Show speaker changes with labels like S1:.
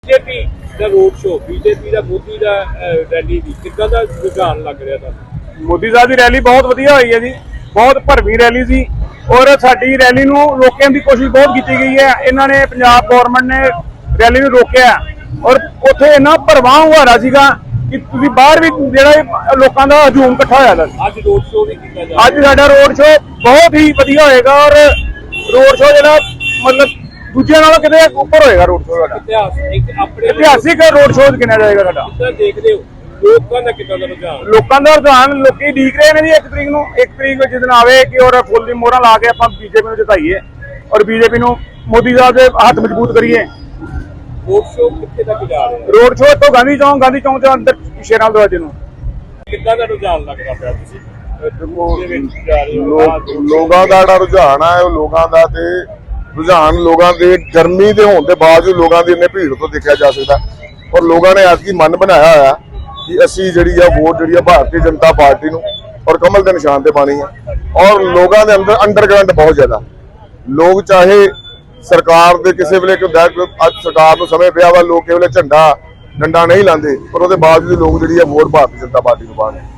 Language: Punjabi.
S1: बीजेपी ਦਾ ਰੋਡ ਸ਼ੋ बीजेपी ਦਾ ਮੋਦੀ ਦਾ ਰੈਲੀ ਦੀ ਕਿੱਦਾਂ ਦਾ ਰੁਝਾਨ ਲੱਗ ਰਿਹਾ ਤੁਹਾਨੂੰ?
S2: ਮੋਦੀ ਸਾਹਿਬ ਦੀ ਰੈਲੀ ਬਹੁਤ ਵਧੀਆ ਹੋਈ ਹੈ ਜੀ, ਬਹੁਤ ਭਰਵੀਂ ਰੈਲੀ ਸੀ ਔਰ ਸਾਡੀ ਰੈਲੀ ਨੂੰ ਰੋਕਣ ਦੀ ਕੋਸ਼ਿਸ਼ ਬਹੁਤ ਕੀਤੀ ਗਈ ਹੈ। ਇਹਨਾਂ ਨੇ ਪੰਜਾਬ ਗਵਰਨਮੈਂਟ ਨੇ ਰੈਲੀ ਨੂੰ ਰੋਕਿਆ ਔਰ ਉੱਥੇ ਇੰਨਾ ਭਰਵਾਂ ਹੁਆਰਾ ਸੀਗਾ ਕਿ ਤੁਸੀਂ ਬਾਹਰ ਵੀ ਜਿਹੜਾ ਲੋਕਾਂ ਦਾ ਹਜੂਮ ਇਕੱਠਾ ਹੋਇਆ ਸੀ।
S1: ਅੱਜ ਰੋਡ ਸ਼ੋ ਵੀ ਕੀਤਾ ਜਾ
S2: ਅੱਜ ਸਾਡਾ ਰੋਡ ਸ਼ੋ ਬਹੁਤ ਹੀ ਵਧੀਆ ਹੋਏਗਾ ਔਰ ਰੋਡ ਸ਼ੋ ਜਿਹੜਾ ਮਤਲਬ ਦੂਜਿਆਂ ਨਾਲੋਂ ਕਿਤੇ ਉੱਪਰ ਹੋਏਗਾ। ਰੋਡ ਸ਼ੋ ਸਾਡਾ ਇਤਿਹਾਸਿਕ ਰੋਡ ਸ਼ੋ ਗਿਣਿਆ ਜਾਏਗਾ ਸਾਡਾ।
S1: ਕਿੱਦਾਂ ਦੇਖਦੇ ਹੋ ਲੋਕਾਂ ਦਾ ਕਿੱਦਾਂ ਦਾ ਰੁਝਾਨ?
S2: ਲੋਕਾਂ ਦਾ ਰੁਝਾਨ ਲੋਕੀ ਉਡੀਕ ਰਹੇ ਨੇ ਜੀ 1 ਤਰੀਕ ਨੂੰ। 1 ਤਰੀਕ ਜਿਸ ਦਿਨ ਆਵੇ ਕਿ ਔਰ ਫੁੱਲ ਦੀ ਮੋਹਰਾਂ ਲਾ ਕੇ ਆਪਾਂ ਬੀਜੇਪੀ ਨੂੰ ਜਿਤਾਈਏ ਔਰ ਬੀਜੇਪੀ ਨੂੰ ਮੋਦੀ ਸਾਹਿਬ ਦੇ ਹੱਥ ਮਜ਼ਬੂਤ ਕਰੀਏ।
S1: ਰੋਡ ਸ਼ੋ ਕਿੱਥੇ ਤੱਕ ਜਾ ਰਿਹਾ?
S2: ਰੋਡ ਸ਼ੋ ਤੋਂ ਗਾਂਧੀ ਚੌਂਕ ਦੇ ਅੰਦਰ ਸ਼ੇਰਾਂ ਦਰਵਾਜ਼ੇ ਨੂੰ।
S1: ਕਿੱਦਾਂ ਦਾ ਰੁਝਾਨ ਲੱਗਦਾ ਪਿਆ ਤੁਸੀਂ
S3: ਲੋਕਾਂ ਦਾ ਜਿਹੜਾ ਰੁਝਾਨ ਹੈ ਉਹ ਲੋਕਾਂ ਦਾ ਤੇ ਰੁਝਾਨ ਲੋਕਾਂ ਦੇ ਗਰਮੀ ਦੇ ਹੋਣ ਦੇ ਬਾਵਜੂਦ ਲੋਕਾਂ ਦੀ ਇੰਨੇ ਭੀੜ ਤੋਂ ਦੇਖਿਆ ਜਾ ਸਕਦਾ ਔਰ ਲੋਕਾਂ ਨੇ ਅੱਜ ਕੀ ਮਨ ਬਣਾਇਆ ਹੋਇਆ ਕਿ ਅਸੀਂ ਜਿਹੜੀ ਆ ਵੋਟ ਜਿਹੜੀ ਆ ਭਾਰਤੀ ਜਨਤਾ ਪਾਰਟੀ ਨੂੰ ਔਰ ਕਮਲ ਦੇ ਨਿਸ਼ਾਨ ਤੇ ਪਾਣੀ ਹੈ। ਔਰ ਲੋਕਾਂ ਦੇ ਅੰਦਰ ਅੰਡਰਗਰਾਉਂਡ ਬਹੁਤ ਜ਼ਿਆਦਾ ਲੋਕ ਚਾਹੇ ਸਰਕਾਰ ਦੇ ਕਿਸੇ ਵੇਲੇ ਅੱਜ ਸਰਕਾਰ ਨੂੰ ਸਮੇਂ ਪਿਆ ਵਾ ਲੋਕ ਕਿਸੇ ਵੇਲੇ ਝੰਡਾ ਡੰਡਾ ਨਹੀਂ ਲਾਉਂਦੇ ਪਰ ਉਹਦੇ ਬਾਵਜੂਦ ਲੋਕ ਜਿਹੜੀ ਆ ਵੋਟ ਭਾਰਤੀ ਜਨਤਾ ਪਾਰਟੀ ਨੂੰ ਪਾਉਣ।